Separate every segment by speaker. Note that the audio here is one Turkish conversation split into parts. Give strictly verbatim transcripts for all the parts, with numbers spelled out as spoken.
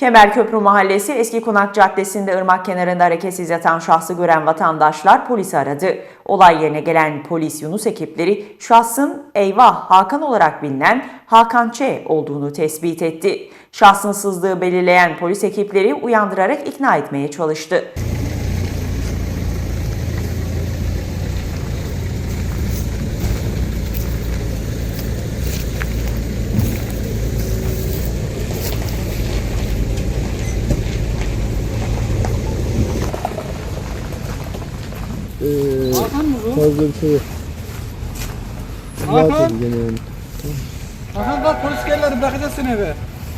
Speaker 1: Kemerköprü Mahallesi Eski Konak Caddesi'nde ırmak kenarında hareketsiz yatan şahsı gören vatandaşlar polisi aradı. Olay yerine gelen polis Yunus ekipleri şahsın eyvah Hakan olarak bilinen Hakan Ç. olduğunu tespit etti. Şahsın sızdığı belirleyen polis ekipleri uyandırarak ikna etmeye çalıştı.
Speaker 2: Ee,
Speaker 3: Hakan mı bu?
Speaker 2: fazla bir şey yok.
Speaker 3: Hakan!
Speaker 2: Rahat edin gene yani.
Speaker 3: Hakan bak polis geldi, bırakacağız seni eve.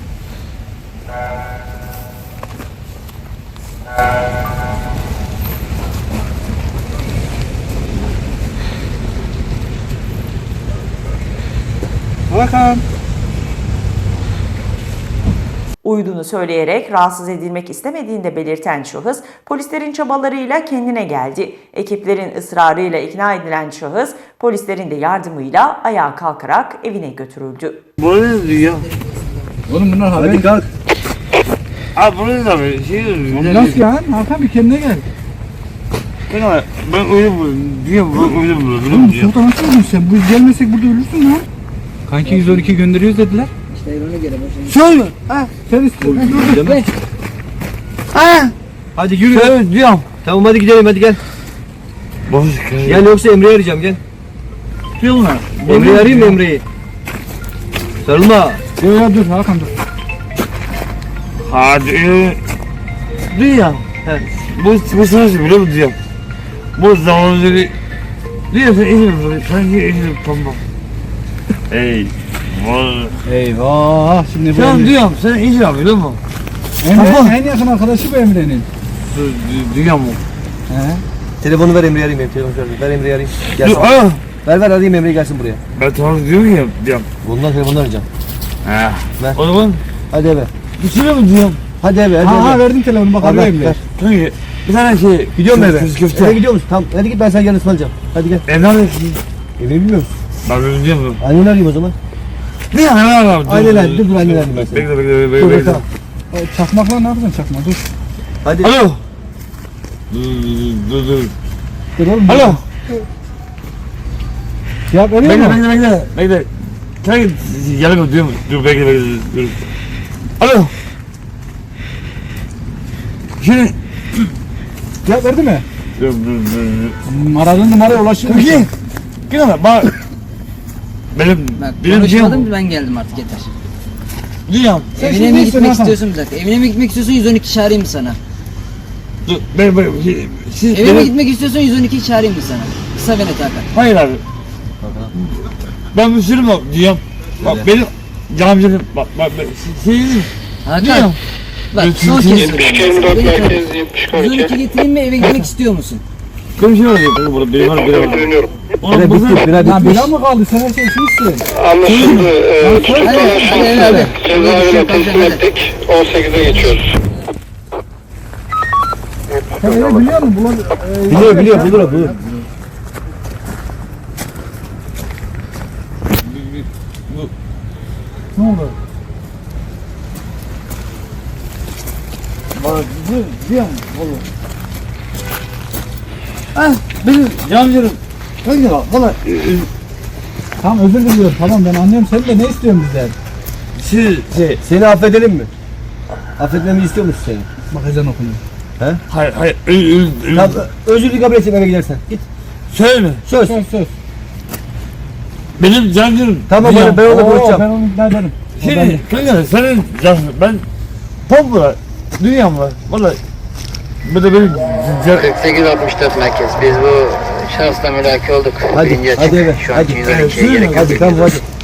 Speaker 3: Hakan!
Speaker 1: Uyuduğunu söyleyerek rahatsız edilmek istemediğini de belirten şahıs, polislerin çabalarıyla kendine geldi. Ekiplerin ısrarıyla ikna edilen şahıs, polislerin de yardımıyla ayağa kalkarak evine götürüldü.
Speaker 4: Bu ne diyor?
Speaker 3: Oğlum bunlar haber.
Speaker 2: Hadi kalk.
Speaker 4: Abi bu ne abi? Şey
Speaker 3: Oğlum nasıl ya? Hakan bir kendine gel.
Speaker 4: Ben abi ben uyudum diyorum ben uyudum
Speaker 3: Oğlum
Speaker 4: biliyorum diyor.
Speaker 3: sultan nasıl öldün sen? Bu gelmesek burada ölürsün lan. Kanki yüz on iki gönderiyoruz dediler.
Speaker 4: Söyle.
Speaker 3: Ha sen istiyorsun. Dur dur.
Speaker 4: Ha.
Speaker 2: Hadi yürü.
Speaker 4: Söyle diyorum.
Speaker 2: Tamam hadi gidelim hadi gel.
Speaker 4: Boş
Speaker 2: Gel yoksa Emre'yi arayacağım gel.
Speaker 4: diyorlar.
Speaker 2: Emre'yi arayayım mı Emre'yi? Sarılma.
Speaker 3: Dur ya dur Hakan dur.
Speaker 4: Hadi. Diyor.
Speaker 2: He.
Speaker 4: Bu bu sırası biliyor musun diyorum. Bu zamanları diyor sen iyi mi? Sen iyi mi? Tamam. Ey. Vay.
Speaker 3: Eyvah şimdi bu
Speaker 4: Sen
Speaker 3: Emre.
Speaker 4: diyorum sen iyi mi biliyor musun?
Speaker 3: Emre en yakın arkadaşı bu Emre'nin.
Speaker 4: Diyor mu?
Speaker 3: He.
Speaker 2: Telefonu ver Emre'yi arayayım benim telefonu ver. Ver Emre'yi arayayım. Gelsin.
Speaker 4: Dur aa.
Speaker 2: Ver ver arayayım Emre'yi gelsin buraya.
Speaker 4: Ben tamam diyorum ya diyorum.
Speaker 2: Bundan telefonunu arayacağım.
Speaker 4: Ha.
Speaker 2: Ver.
Speaker 4: O zaman
Speaker 2: Hadi eve.
Speaker 4: düşünüyor mu diyorum?
Speaker 2: Hadi eve hadi
Speaker 3: Ha, ha
Speaker 2: eve.
Speaker 3: verdim telefonu bak
Speaker 2: Hadi,
Speaker 3: arıyor
Speaker 2: ver,
Speaker 3: Emre.
Speaker 2: ver.
Speaker 4: Çünkü bir tane şey.
Speaker 2: Gidiyor mu eve?
Speaker 4: Köz köfte.
Speaker 2: Eve gidiyor musun? Tamam hadi git ben sana yarın ısmarlayacağım. Hadi gel.
Speaker 4: Evden de ki.
Speaker 2: Evi bilmiyor musun?
Speaker 4: Ben böyle diyorum.
Speaker 2: Anneni arayayım o zaman.
Speaker 4: Ne ya ne var abi?
Speaker 2: Aynen öyle, dur, dur, aynen öyle ben seni.
Speaker 4: Bekle bekle
Speaker 2: Dur
Speaker 4: bekle
Speaker 2: dur
Speaker 4: bekle.
Speaker 2: tamam.
Speaker 3: O Çakmakla ne yapacaksın çakma dur.
Speaker 2: Hadi.
Speaker 4: Alo. Dur dur dur.
Speaker 3: Dur oğlum.
Speaker 4: Alo.
Speaker 3: Ya veriyor
Speaker 4: Bekle
Speaker 3: mu?
Speaker 4: bekle bekle. Bekle. Sen yalan diyor mu? Dur bekle bekle dur. Alo. Şimdi
Speaker 3: Ya verdi mi?
Speaker 4: dur dur dur.
Speaker 3: Hmm, aradığın numaraya ulaşır mısın?
Speaker 4: Peki. Gel bak. Benim
Speaker 5: Bak
Speaker 4: benim
Speaker 5: konuşmadım
Speaker 4: diyorum.
Speaker 5: ben geldim artık yeter.
Speaker 4: Diyorum.
Speaker 3: Sen
Speaker 5: Evine
Speaker 3: şimdi
Speaker 5: mi
Speaker 3: iyisin
Speaker 5: gitmek
Speaker 3: Hakan.
Speaker 5: istiyorsun bir dakika? Evine mi gitmek istiyorsun yüz on iki çağırayım mı sana?
Speaker 4: Dur ben ben siz
Speaker 5: Eve mi
Speaker 4: benim-
Speaker 5: gitmek istiyorsun yüz on iki çağırayım mı sana? Kısa ve net Hakan.
Speaker 4: Hayır abi. Ben Müslümanım bak diyorum. Bak benim camcım bak bak ben şeyim
Speaker 5: Hakan
Speaker 4: diyorum.
Speaker 5: bak
Speaker 4: Yetmiş
Speaker 5: son kez
Speaker 4: iki,
Speaker 5: söylüyorum. yüz on iki getireyim mi eve gitmek istiyor musun?
Speaker 4: Konuşuyor ya burada biri var biri var.
Speaker 2: Bire
Speaker 4: Oğlum
Speaker 2: bitti,
Speaker 4: bu
Speaker 2: bire
Speaker 3: Ya
Speaker 2: bitmiş.
Speaker 3: bira mı kaldı? Sen her şeyi içmişsin.
Speaker 6: Anlaşıldı. Ee,
Speaker 5: Hadi hadi hadi.
Speaker 6: Cezaevine teslim ettik. on sekize geçiyoruz.
Speaker 3: Sen evi biliyor musun? Bulan, e,
Speaker 2: Biliyor biliyor bulur o bulur.
Speaker 3: Ne oldu?
Speaker 4: bak diyorum oğlum. Ah benim camcım. Kanka bak valla
Speaker 3: Tamam özür diliyorum. Tamam ben anlıyorum. Sen de ne istiyorsun bizden?
Speaker 4: siz şey
Speaker 2: Seni affedelim mi? Affetmemi istiyor musun seni?
Speaker 3: Bak ezan okunuyor.
Speaker 4: hayır hayır ö, ö, ö,
Speaker 2: Tamam özür dilerim kabul edeceğim eve gidersen. Git.
Speaker 4: söyle
Speaker 2: Söz.
Speaker 3: Söz söz.
Speaker 4: benim camcım.
Speaker 2: Tamam
Speaker 4: diyorum.
Speaker 2: ben, ben onunla
Speaker 3: Oo,
Speaker 2: konuşacağım.
Speaker 3: ben onu ikna ederim. O
Speaker 4: Şimdi
Speaker 3: bende.
Speaker 4: kanka senin camcım ben Pompa dünyam var valla. Bu da benim
Speaker 6: kırk sekiz altmış dört merkez. Biz bu şahısla mülaki olduk.
Speaker 2: Hadi,
Speaker 6: Birinci
Speaker 2: hadi
Speaker 6: açık.
Speaker 2: eve,
Speaker 6: Şu
Speaker 2: hadi.
Speaker 6: an yüz on ikiye
Speaker 4: Evet,
Speaker 6: gerek yok.
Speaker 2: Hadi tamam hadi.